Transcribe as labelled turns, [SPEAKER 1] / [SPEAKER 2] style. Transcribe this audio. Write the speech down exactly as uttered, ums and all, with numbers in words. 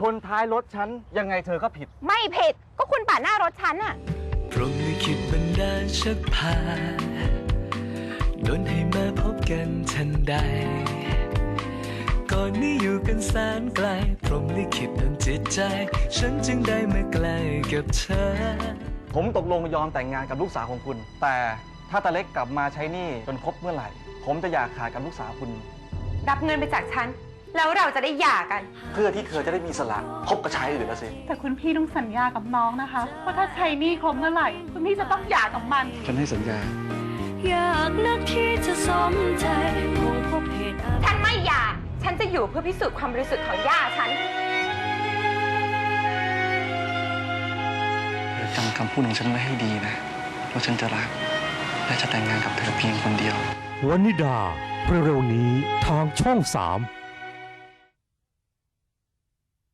[SPEAKER 1] ชนท้ายรถฉันยังไงเธอก็ผิด
[SPEAKER 2] ไม่ผิดก็คุณปาดหน้ารถฉันอะ
[SPEAKER 3] พรหมลิขิตบันดาลชักพาโดนให้มาพบกันทันใดก่อนนี้อยู่กันแสนไกลพรหมลิขิตดลจิตใจฉันจึงได้มาใกล้กับเธอ
[SPEAKER 1] ผมตกลงยอมแต่งงานกับลูกสาวของคุณแต่ถ้าตาเล็กกลับมาใช้หนี้จนครบเมื่อไหร่ผมจะอยากขาดกับลูกสาวคุณ
[SPEAKER 2] รับเงินไปจากฉันแล้วเราจะได้หย่ากัน
[SPEAKER 1] เพื่อที่เธอจะได้มีสละคบกับชายอื่นแล้วสิ
[SPEAKER 4] แต่คุณพี่ต้องสัญญากับน้องนะคะว่าถ้าใช้หนี้ครบเมื่อไหร่คุณพี่จะต้องหย่ากับมัน
[SPEAKER 1] ฉันให้สัญญา
[SPEAKER 3] อยากนักที่จะสมใจคงพบเหตุ
[SPEAKER 2] ฉันไม่หย่าฉันจะอยู่เพื่อพิสูจน์ความบริสุทธิ์ของย่าฉัน
[SPEAKER 1] เธอจำคำพูดของฉันไว้ให้ดีนะว่าฉันจะรักและจะแต่งงานกับเธอเพียงคนเดียว
[SPEAKER 5] วนิดาเร็วๆนี้ทางช่องสาม